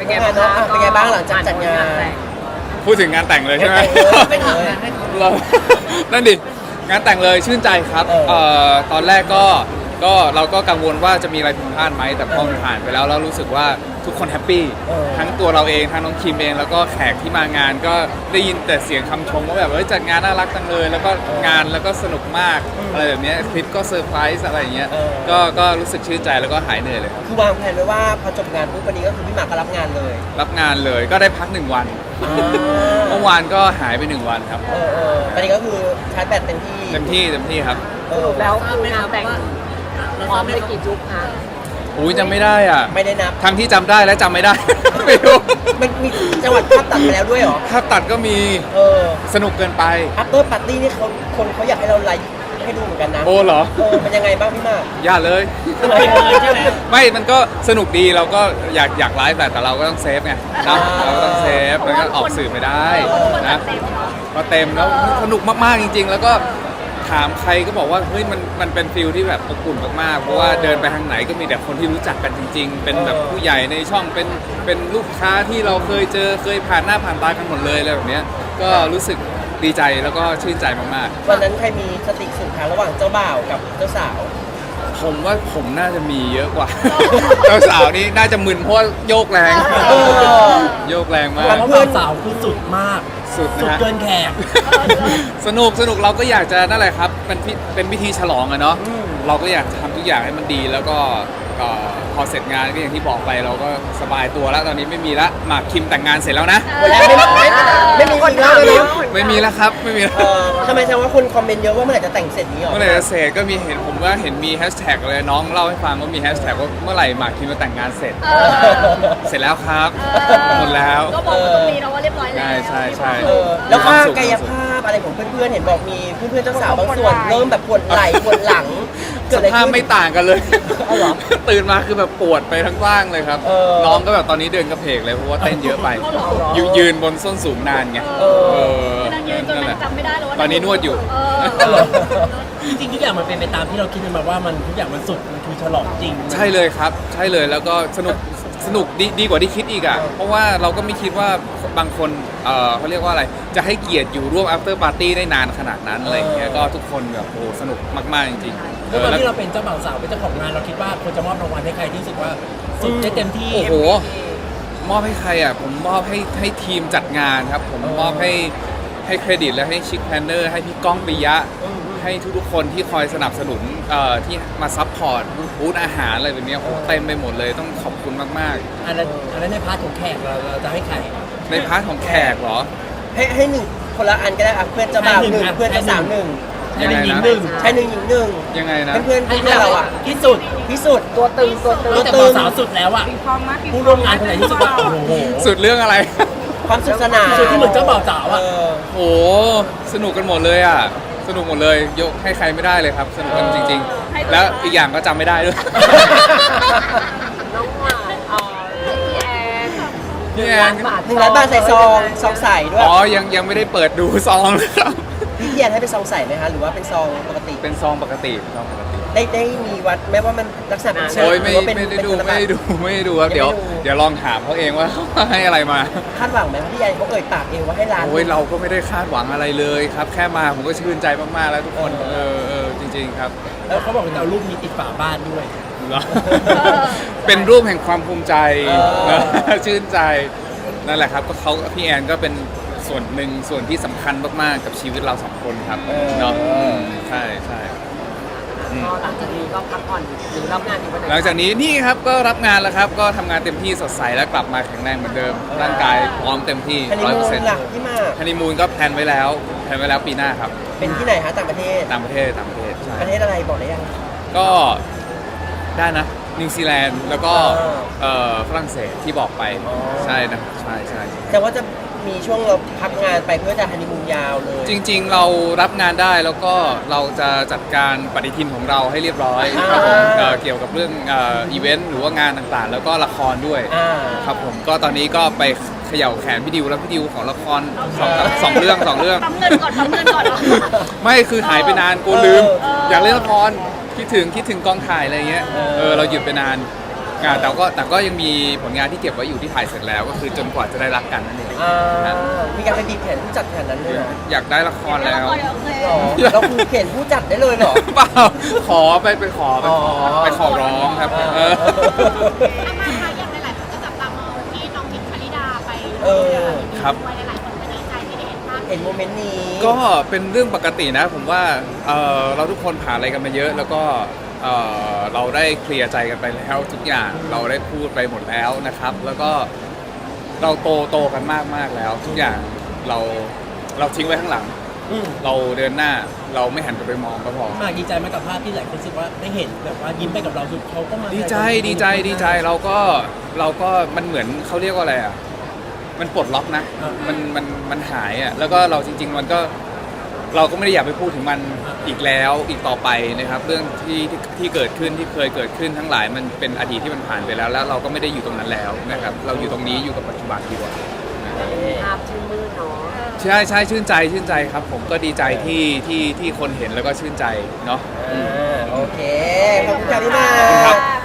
ไงบ้างเนาะเป็นไงบ้างหลังจากจัดงานพูดถึงงานแต่งเลยใช่ไหมไม่ถามนะเรานั่นดิงานแต่งเลยชื่นใจครับตอนแรกก็เราก็กังวลว่าจะมีอะไรผิดพลาดไหมแต่พอมันผ่านไปแล้วเรารู้สึกว่าทุกคนแฮปปี้ทั้งตัวเราเองทั้งน้องคิมเองแล้วก็แขกที่มางานก็ได้ยินแต่เสียงคำชมว่าแบบจัดงานน่ารักจังเลยแล้วก็งานแล้วก็สนุกมากอะไรแบบนี้คลิปก็เซอร์ไพรส์อะไรอย่างเงี้ยก็รู้สึกชื่นใจแล้วก็หายเหนื่อยเลยครับคือวางแผนไว้ว่าพอจบงานปุ๊บวันนี้ก็คือพี่หมากก็รับงานเลยรับงานเลยก็ได้พัก1 วันเมื่อวานก็หายไป1 วันครับตอนนี้ก็คือชาร์จแบตเต็มที่ครับแล้วคืองานแต่งพร้อมไปกี่จุ๊บคะอุ้ยจำไม่ได้อ่ะไม่ได้นับทั้งที่จำได้และจำไม่ได้ ไม่รู้มันมีจังหวัดภาพตัดไปแล้วด้วยเหรอภาพตัดก็มีสนุกเกินไป after party นี่คนเขาอยากให้เราไลฟ์ให้ดูเหมือนกันนะโอ้เหรอมันยังไงบ้างพี่มากอย่าเลยไม่มันก็สนุกดีเราก็อยากไลฟ์แต่เราก็ต้องเซฟไงนะเราก็ต้องเซฟมันก็ออกสื่อไม่ได้นะก็เต็มแล้วสนุกมากๆจริงๆแล้วก็ถามใครก็บอกว่าเฮ้ยมันเป็นฟิลที่แบบอบอุ่นมากๆเพราะว่าเดินไปทางไหนก็มีแต่คนที่รู้จักกันจริงๆเป็นแบบผู้ใหญ่ในช่องเป็นลูกค้าที่เราเคยเจอเคยผ่านหน้าผ่านตากันหมดเลยอะไรแบบเนี้ยก็รู้สึกดีใจแล้วก็ชื่นใจมากๆวันนั้นใครมีสติสุดท้ายระหว่างเจ้าบ่าวกับเจ้าสาวผมว่าผมน่าจะมีเยอะกว่า เจ้าสาวนี่น่าจะมึนเพราะโยกแรงโยกแรงมากเพื่อนสาวคือสุดมากสุดเกินแขกสนุกเราก็อยากจะนั่นแหละครับเป็นพิธีฉลองอะเนาะเราก็อยากทำทุกอย่างให้มันดีแล้วก็พอเสร็จงานก็อย่างที่บอกไปเราก็สบายตัวแล้วตอนนี้ไม่มีละหมากคิมแต่งงานเสร็จแล้วนะไม่มีคนแล้วเลยไม่มีแล้วครับไม่มีแล้วทำไมแสดงว่าคนคอมเมนต์เยอะว่าเมื่อไหร่จะแต่งเสร็จนี้หรอเมื่อไหร่จะเสร็จก็มีผมว่าเห็นมีแฮชแท็กเลยน้องเล่าให้ฟังว่ามีแฮชแท็กว่าเมื่อไหร่หมากคิมจะแต่งงานเสร็จเสร็จแล้วครับหมดแล้วก็บอกตรงนี้นะว่าเรียบร้อยแล้วใช่แล้วก็กายภาพอะไรของเพื่อนๆเห็นบอกมีเพื่อนๆเจ้าสาวบางส่วนเริ่มแบบปวดไหล่ปวดหลังสภาพไม่ต่างกันเลยตื่นมาคือแบบปวดไปทั้งร่างเลยครับน้องก็แบบตอนนี้เดินกระเพกเลยเพราะว่าเต้นเยอะไปยืนบนส้นสูงนานไงนั่นแหละจำไม่ได้แล้วว่าตอนนี้นวดอยู่จริงๆทุกอย่างมันเป็นไปตามที่เราคิดกันมาว่ามันทุกอย่างมันสุดมันคือฉลองจริงใช่เลยครับใช่เลยแล้วก็สนุกดีกว่าที่คิดอีกอ่ะเพราะว่าเราก็ไม่คิดว่าบางคนเขาเรียกว่าอะไรจะให้เกียรติอยู่ร่วม after party ได้นานขนาดนั้นอะไรอย่างเงี้ยก็ทุกคนแบบโอ้สนุกมากๆจริงๆแล้วตอนที่เราเป็นเจ้าบ่าวสาวเป็นเจ้าของงานเราคิดว่าควรจะมอบรางวัลให้ใครที่รู้สึกว่าสุดได้เต็มที่โอ้โหมอบให้ใครอ่ะผมมอบให้ทีมจัดงานครับผมมอบให้เครดิตและให้ชิคแพนเนอร์ให้พี่ก้องปิยะให้ทุกๆคนที่คอยสนับสนุนที่มาซัพพอร์ตบูธอาหารอะไรแบบนี้เต็มไปหมดเลยต้องขอบคุณมากๆอันนั้นในพาร์ทของแขกเราจะให้ใครในพาร์ทของแขกเหรอให้หนึ่งคนละอันก็ได้ครับเพื่อนเจ้าบ่าวหนึ่งเพื่อนเจ้าสาวหนึ่งชายหนึ่งหญิงหนึ่งชายหนึ่งหญิงหนึ่งยังไงนะเพื่อนเราอ่ะที่สุดตัวตึงแต่บ่าวสาวสุดแล้วอ่ะผู้ร่วมงานคนไหนที่สุดว่าโอ้โหสุดเรื่องอะไรความสุขสนานสุดที่เหมือนเจ้าบ่าวสาวอ่ะโอ้สนุกกันหมดเลยอ่ะสนุกหมดเลยยกให้ใครไม่ได้เลยครับสนุกกันจริงๆแล้วอีกอย่างก็จำไม่ได้ด้วยน้องหวานพี่แอน 1,000,000 บาทใส่ซองใส่ด้วยอ๋อยังไม่ได้เปิดดูซองเลยครับพี่แอนให้เป็นซองใส่ไหมคะหรือว่าเป็นซองปกติเป็นซองปกติได้มีวัดแม้ว่ามันลักษณะเป็นเชิงไม่ได้ดูครับเดี๋ยวลองถามเขาเองว่าเขาให้อะไรมาคาดหวังไหมพี่แอนเขาเอ่ยปากเองว่าให้ร้านเราก็ไม่ได้คาดหวังอะไรเลยครับแค่มาผมก็ชื่นใจมากๆแล้วทุกคนจริงๆครับแล้วเขาบอกว่าเอารูปมีติดฝาบ้านด้วยเป็นรูปแห่งความภูมิใจชื่นใจนั่นแหละครับก็พี่แอนก็เป็นส่วนหนึ่งส่วนที่สำคัญมากๆกับชีวิตเรา2 คนครับเนาะใช่ก็หลังจากนี้ก็พักผ่อนหรือรับงานอีกวันไหนหลังจากนี้นี่ครับก็รับงานแล้วครับก็ทำงานเต็มที่สดใสและกลับมาแข็งแรงเหมือนเดิมร่างกายพร้อมเต็มที่ 100%หลักที่มาฮันนีมูนก็แพลนไว้แล้วปีหน้าครับเป็นที่ไหนคะต่างประเทศใช่ประเทศอะไรบอกได้ยังก็ได้นะนิวซีแลนด์แล้วก็ฝรั่งเศสที่บอกไปใช่นะใช่แต่ว่าจะมีช่วงเราพักงานไปเพื่อจะฮันนีมูนยาวเลยจริงๆเรารับงานได้แล้วก็เราจะจัดการปฏิทินของเราให้เรียบร้อยครับผมเกี่ยวกับเรื่องอีเวนต์หรือว่างานต่างๆแล้วก็ละครด้วยครับผมก็ตอนนี้ก็ไปเขย่าแขนพี่ดิวแล้วพี่ดิวของละครสองเรื่องทำเงินก่อนไม่คือหายไปนานกูลืมอยากเล่นละครคิดถึงกองถ่ายอะไรเงี้ยเราหยุดไปนานแต่ก็ยังมีผลงานที่เก็บไว้อยู่ที่ถ่ายเสร็จแล้วก็คือจนกว่าจะได้รักกันนั่นเองมีการไปบีบแขนผู้จัดแขนนั้นเลยเหรออยากได้ละครแล้วอ๋อเราคือเขียนผู้จัดได้เลยเหรอเปล่าขอไปขอไปขอร้องครับอ๋อทำไมคะอย่างหลายๆคนก็จับตามองที่น้องมินท์ชลิดาไปครับด้วยหลายๆคนก็ดีใจที่ได้เห็นภาพเห็นโมเมนต์นี้ก็เป็นเรื่องปกตินะผมว่าเราทุกคนผ่านอะไรกันมาเยอะ แล้วก็เราได้เคลียร์ใจกันไปแล้วทุกอย่างเราได้พูดไปหมดแล้วนะครับ แล้วก็เราโตกันมากแล้ว ทุกอย่างเราทิ้งไว้ข้างหลัง เราเดินหน้าเราไม่หันกลับไปมองก็พอมากดีใจไหมกับภาพที่หลายคนรู้สึกว่าได้เห็นแบบว่ายิ้มไปกับเราคือเขาก็มาดีใจเราก็มันเหมือนเขาเรียกว่าอะไรอ่ะมันปลดล็อกนะมันหายอ่ะแล้วก็เราจริง ๆ มันก็เราก็ไม่ได้อยากไปพูดถึงมันอีกแล้วอีกต่อไปนะครับเรื่องที่เกิดขึ้นที่เคยเกิดขึ้นทั้งหลายมันเป็นอดีตที่มันผ่านไปแล้วแล้วเราก็ไม่ได้อยู่ตรงนั้นแล้วนะครับเราอยู่ตรงนี้อยู่กับปัจจุบันดีกว่าภาพชื่นมืดเนาะใช่ชื่นใจครับผมก็ดีใจที่คนเห็นแล้วก็ชื่นใจเนาะโอเค ขอบคุณค่ะพี่มาขอบคุณครับ